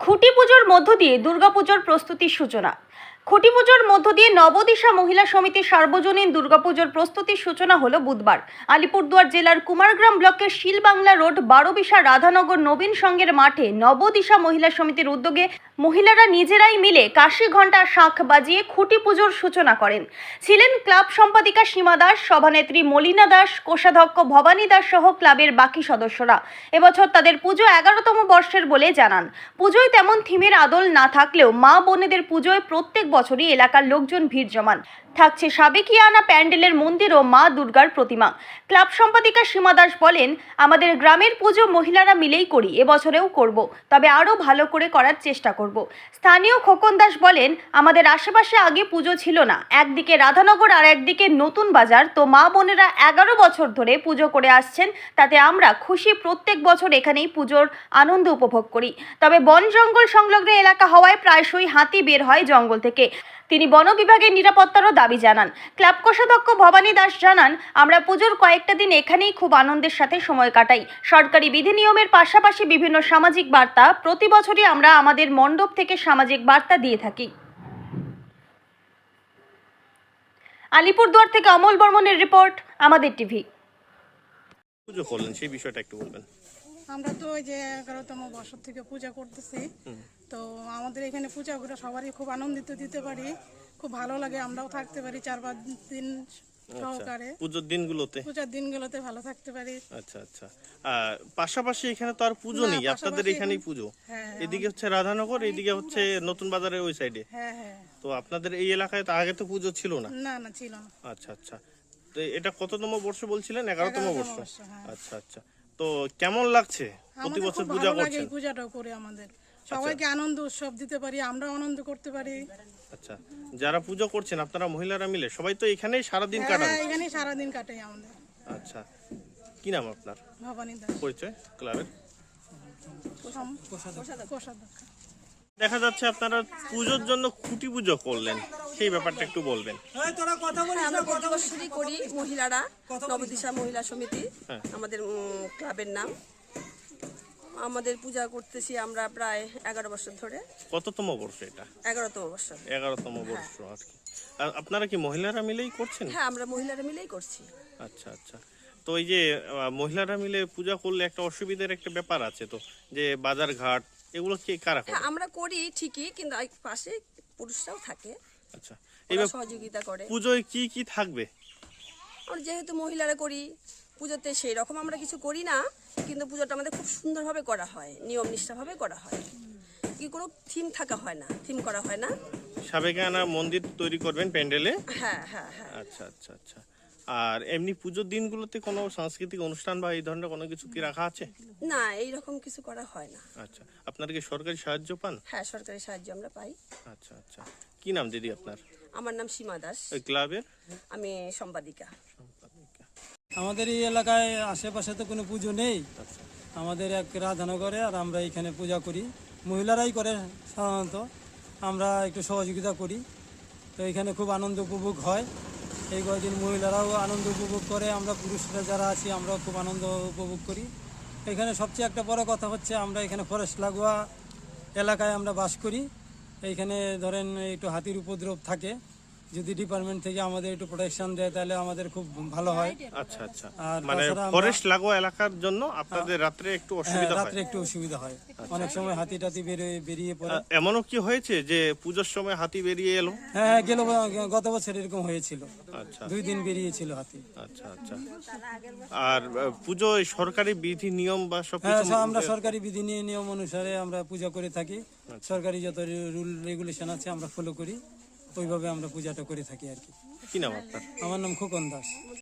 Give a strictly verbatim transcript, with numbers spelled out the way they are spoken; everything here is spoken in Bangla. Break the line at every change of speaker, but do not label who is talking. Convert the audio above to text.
খুঁটি পুজোর মধ্য দিয়ে দুর্গাপুজোর প্রস্তুতির সূচনা। খুঁটি পুজোর মধ্য দিয়ে নবদিশা মহিলা সমিতির সার্বজনীন দুর্গাপুজোর প্রস্তুতির সূচনা হলো বুধবার। আলিপুরদুয়ার জেলার কুমারগ্রাম ব্লকের শিলবাংলা রোড বারোবিশা রাধানগর নবীন সংঘের মাঠে নবদিশা মহিলা সমিতির উদ্যোগে মহিলারা নিজেরাই মিলে কাশি ঘণ্টা শাঁখ বাজিয়ে খুঁটি পুজোর সূচনা করেন। ছিলেন ক্লাব সম্পাদিকা সীমা দাস, সভানেত্রী মলিনা দাস, কোষাধ্যক্ষ ভবানী দাস সহ ক্লাবের বাকি সদস্যরা। এবছর তাদের পুজো এগারোতম বর্ষের বলে জানান। পুজোয় তেমন থিমের আদল না থাকলেও মা বোনেদের পুজোয় প্রত্যেক বছরই এলাকার লোকজন ভিড় জমান। থাকছে সাবেকিয়ানা প্যান্ডেলের মন্দির ও মা দুর্গার প্রতিমা। ক্লাব সম্পাদিকা সীমা দাস বলেন, আমাদের গ্রামের পুজো মহিলারা মিলেই করি, এবছরেও করব, তবে আরও ভালো করে করার চেষ্টা করব। স্থানীয় খোকন দাস বলেন, আমাদের আশেপাশে আগে পুজো ছিল না, একদিকে রাধানগর আর একদিকে নতুন বাজার, তো মা বোনেরা এগারো বছর ধরে পুজো করে আসছেন, তাতে আমরা খুশি। প্রত্যেক বছর এখানেই পুজোর আনন্দ উপভোগ করি। তবে বন জঙ্গল সংলগ্ন এলাকা হওয়ায় প্রায়শই হাতি বের হয় জঙ্গল থেকে। তিনি বন বিভাগের নিরাপত্তারও দাবি জানান। ক্লাব কোষাধ্যক্ষ ভবানী দাস জানান, আমরা পুজোর কয়েকটা দিন এখানেই খুব আনন্দের সাথে সময় কাটাই। সরকারি বিধি নিয়মের পাশাপাশি বিভিন্ন সামাজিক বার্তা প্রতি বছরই আমরা আমাদের মণ্ডপ থেকে সামাজিক বার্তা দিয়ে থাকি। আলিপুরদুয়ার থেকে অমল বর্মনের রিপোর্ট, আমাদের টিভি।
পুজো করলেন সেই বিষয়টা একটু বলবেন।
আমরা তো ওই যে এগারোতম বছর থেকে পূজা করতেছি, তো আমাদের এখানে পূজা করে সবারই খুব আনন্দিত দিতে পারি, খুব ভালো লাগে। আমরাও থাকতে পারি চার পাঁচ দিন সহকারে
পুজোর দিনগুলোতে
পূজার দিনগুলোতে ভালো থাকতে পারি।
আচ্ছা আচ্ছা আর পাশাপাশি এখানে তো আর পুজো
না,
নেই, আপনাদের
পাশাপাশি
এখানেই
এখানে-
পুজো।
হ্যাঁ,
এদিকে হচ্ছে রাধানগর, এইদিকে হচ্ছে নতুন বাজারের ওই সাইডে।
হ্যাঁ হ্যাঁ
তো আপনাদের এই এলাকায় তো আগে তো পুজো ছিল না।
না না ছিল না।
আচ্ছা আচ্ছা তো এটা কততম বর্ষ বলছিলেন? এগারোতম
এগারোতম
বর্ষ।
বর্ষ, হ্যাঁ।
আচ্ছা আচ্ছা তো কেমন লাগছে প্রতি
আমাদের
বছর
খুব
পূজা
ভালো লাগে
করছেন?
এই পূজাটাও করে, আমাদের সবাইকে আনন্দ উৎসব দিতে পারি, আমরাও আনন্দ করতে পারি।
আচ্ছা যারা পুজো করছেন আপনারা মহিলারা মিলে সবাই তো এখানেই সারাদিন কাটান?
হ্যাঁ, এখানেই সারাদিন কাটাই আমাদের।
আচ্ছা কি নাম আপনার?
ভবানী দাস,
পরিচয় ক্লাবের?
কোষাধ্যক্ষ।
দেখা যাচ্ছে আপনারা পুজোর জন্য খুঁটি পুজো করলেন, সেই ব্যাপারটা একটু বলবেন।
হ্যাঁ, আমরা প্রতি বছরই করি মহিলারা, নবদিশা মহিলা সমিতি
হ্যাঁ।
আমাদের উম, ক্লাবের নাম। আমাদের পূজা করতেছি আমরা প্রায় এগারো বছর ধরে।
কততম বর্ষ এটা?
এগারোতম বছর।
এগারোতম বর্ষ আর কি। আর আপনারা কি মহিলারা মিলেই করছেন?
হ্যাঁ, আমরা মহিলারা মিলেই করছি।
আচ্ছা আচ্ছা তো এই যে আহ, মহিলারা মিলে পূজা করলে একটা অসুবিধার একটা ব্যাপার আছে তো, যে বাজার ঘাট এগুলো কি কারা করে?
হ্যাঁ, আমরা করি ঠিকই, কিন্তু এই পাশে পুরুষরাও থাকে,
আচ্ছা
ওরা
এইবার
সহযোগিতা করে।
পুজোয় কি কি থাকবে?
আমরা যেহেতু মহিলারা করি পুজোতে, সেই রকম আমরা কিছু করি না, কিন্তু পুজোটা আমাদের খুব সুন্দরভাবে করা হয়, নিয়ম নিষ্ঠাভাবে করা হয়। কি কোনো থিম থাকা হয় না, থিম করা হয় না।
সাবেকিয়ানা মন্দির তৈরি করবেন প্যান্ডেলে?
হ্যাঁ হ্যাঁ হ্যাঁ।
আচ্ছা আচ্ছা আচ্ছা আর এমনি পুজোর দিনগুলোতে কোনো সাংস্কৃতিক অনুষ্ঠান বা এই ধরনের কোনো কিছু কি রাখা আছে?
না, এইরকম কিছু করা হয় না।
আচ্ছা আপনারা কি সরকারি সাহায্য পান?
হ্যাঁ, সরকারি সাহায্য আমরা পাই।
আচ্ছা আচ্ছা কি নাম দিদি আপনার?
আমার নাম সীমা দাস,
ওই ক্লাবের
আমি সম্পাদিকা।
আমাদের এই এলাকায় আশেপাশে তো কোনো পুজো নেই। আমাদের এক রাধানগরে, আর আমরা এখানে পূজা করি, মহিলারাই করে সাধারণত, আমরা একটু সহযোগিতা করি। তো এখানে খুব আনন্দ উপভোগ হয়। এই কয়েকদিন মহিলারাও আনন্দ উপভোগ করে, আমরা পুরুষরা যারা আছি আমরাও খুব আনন্দ উপভোগ করি। এখানে সবচেয়ে একটা বড় কথা হচ্ছে, আমরা এখানে ফরেস্ট লাগোয়া এলাকায় আমরা বাস করি। এইখানে ধরেন একটু হাতির উপদ্রব থাকে, যদি ডিপার্টমেন্ট থেকে আমাদের একটু প্রোটেকশন দেয় তাহলে আমাদের খুব ভালো হয়।
আচ্ছা আচ্ছা
আর
মানে
তাছাড়া আমরা-
ফরেস্ট লাগোয়া এলাকার জন্য আপনাদের রাত্রে একটু
হ্যাঁ,
অসুবিধা হয়?
রাত্রে একটু অসুবিধা হয়, অনেক সময় হাতি টাতি বেরিয়ে বেরিয়ে পড়ে।
আহ, এমনও কি হয়েছে যে পুজোর সময় হাতি বেরিয়ে এলো?
হ্যাঁ, গেল গত বছর এরকম হয়েছিল,
আচ্ছা
দুই দিন বেরিয়েছিল হাতি।
আচ্ছা আচ্ছা আর আহ, পুজোয় সরকারি বিধি নিয়ম বা
হ্যাঁ,
সবকিছু
সব আমরা সরকারি বিধি নিয়ে নিয়ম অনুসারে আমরা পূজা করে থাকি। সরকারি যত রুল রেগুলেশন আছে আমরা ফলো করি, ওইভাবে আমরা পূজাটা করে থাকি আর কি।
কি নাম আপনার?
আমার নাম খোকন দাস।